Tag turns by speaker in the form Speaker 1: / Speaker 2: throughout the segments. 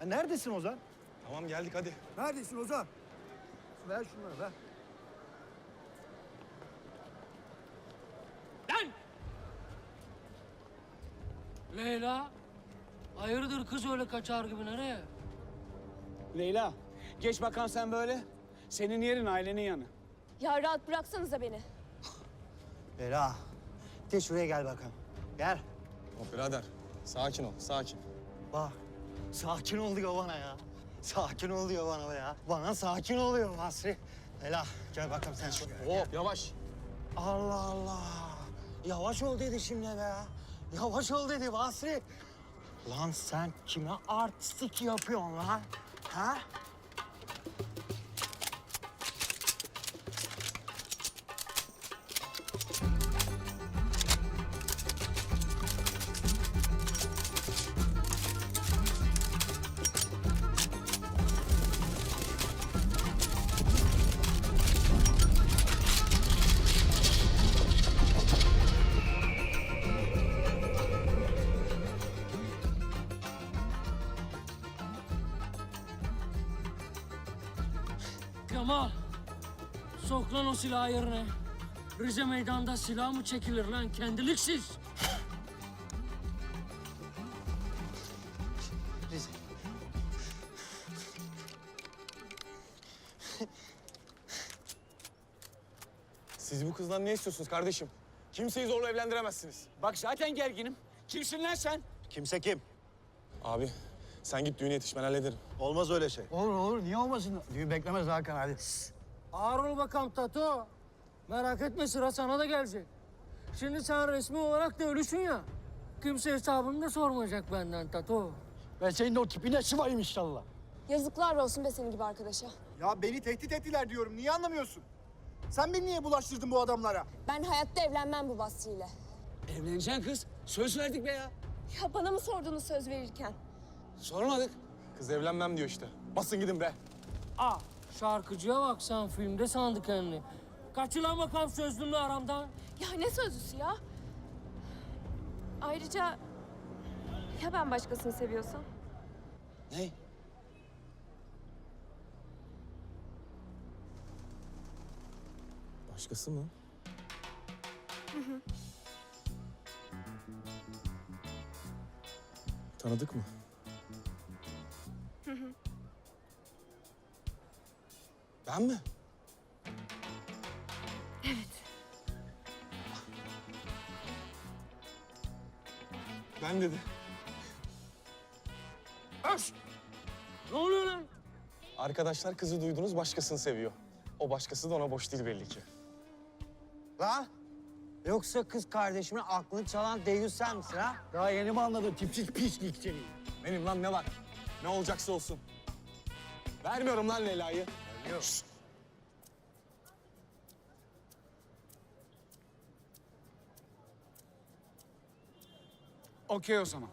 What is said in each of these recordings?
Speaker 1: Neredesin Ozan?
Speaker 2: Tamam geldik hadi.
Speaker 1: Neredesin Ozan? Ver şunları ver.
Speaker 3: Lan! Leyla, hayırdır kız öyle kaçar gibi nereye?
Speaker 4: Leyla, geç bakalım sen böyle. Senin yerin ailenin yanı.
Speaker 5: Ya rahat bıraksanıza beni.
Speaker 1: Bela. De şuraya gel bakalım. Gel.
Speaker 2: Hop birader sakin ol sakin.
Speaker 1: Bak. Sakin ol diyor bana ya. Sakin ol diyor bana ya. Bana sakin oluyor Basri. Bela gel bakalım sen şuraya.
Speaker 2: Hop yavaş.
Speaker 1: Allah Allah. Yavaş ol dedi şimdi be ya. Yavaş ol dedi Basri. Lan sen kime artistik yapıyorsun lan? Ha?
Speaker 3: Kemal, sok lan o silahı yerine. Rize meydanda silah mı çekilir lan kendiliksiz?
Speaker 1: Rize.
Speaker 2: Siz bu kızdan ne istiyorsunuz kardeşim? Kimseyi zorla evlendiremezsiniz.
Speaker 4: Bak zaten gerginim. Kimsin lan sen?
Speaker 1: Kimse kim?
Speaker 2: Abi sen git düğüne yetiş ben hallederim.
Speaker 1: Olmaz öyle şey. Olur olur. Niye olmasın? Düğün beklemez Hakan hadi.
Speaker 3: Ağır ol bakalım Tato. Merak etme sıra sana da gelecek. Şimdi sen resmi olarak da ölüsün ya. Kimse hesabını da sormayacak benden Tato.
Speaker 1: Ben senin o tipine sıvayım inşallah.
Speaker 5: Yazıklar olsun be senin gibi arkadaşa.
Speaker 6: Ya beni tehdit ettiler diyorum. Niye anlamıyorsun? Sen beni niye bulaştırdın bu adamlara?
Speaker 5: Ben hayatta evlenmem bu Basri'yle.
Speaker 4: Evleneceksin kız. Söz verdik be ya.
Speaker 5: Ya bana mı sordunuz söz verirken?
Speaker 4: Sormadık.
Speaker 2: Kız evlenmem diyor işte. Basın gidin be.
Speaker 3: Aa, şarkıcıya bak sen filmde sandı kendini. Kaçılan bakalım sözlümle aramdan.
Speaker 5: Ya ne sözlüsü ya? Ayrıca ya ben başkasını seviyorsam?
Speaker 4: Ne?
Speaker 2: Başkası mı? Tanıdık mı? Ben mi? Ben dedi.
Speaker 3: Öş! Ne oluyor lan?
Speaker 2: Arkadaşlar kızı duydunuz başkasını seviyor. O başkası da ona boş değil belli ki.
Speaker 1: Lan yoksa kız kardeşimin aklını çalan deyyus sen misin ha? Daha yeni mi anladın tipsiz pislik seni?
Speaker 2: Benim lan ne var? Ne olacaksa olsun. Vermiyorum lan Leyla'yı. Şşt!
Speaker 4: Okey o zaman.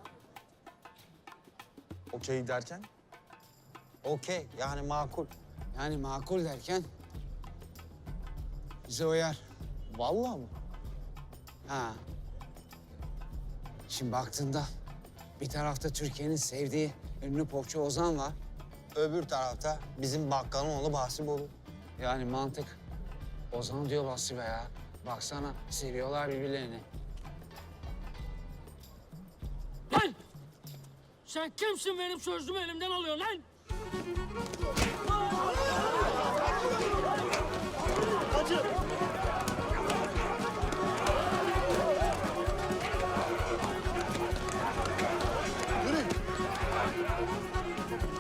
Speaker 2: Okey derken?
Speaker 1: Okey yani makul.
Speaker 4: Yani makul derken bize uyar.
Speaker 2: Vallahi mı?
Speaker 4: Ha. Şimdi baktığında bir tarafta Türkiye'nin sevdiği ünlü popçu Ozan var.
Speaker 1: Öbür tarafta bizim bakkalın oğlu Bahsi Bolu.
Speaker 4: Yani mantık. Ozan diyor Basri be ya. Baksana seviyorlar birbirlerini.
Speaker 3: Lan! Sen kimsin benim sözümü elimden alıyorsun lan?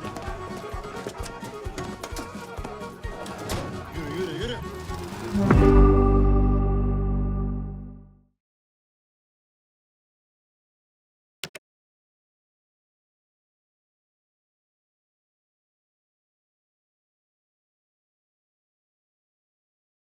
Speaker 1: Yürü yürü yürü.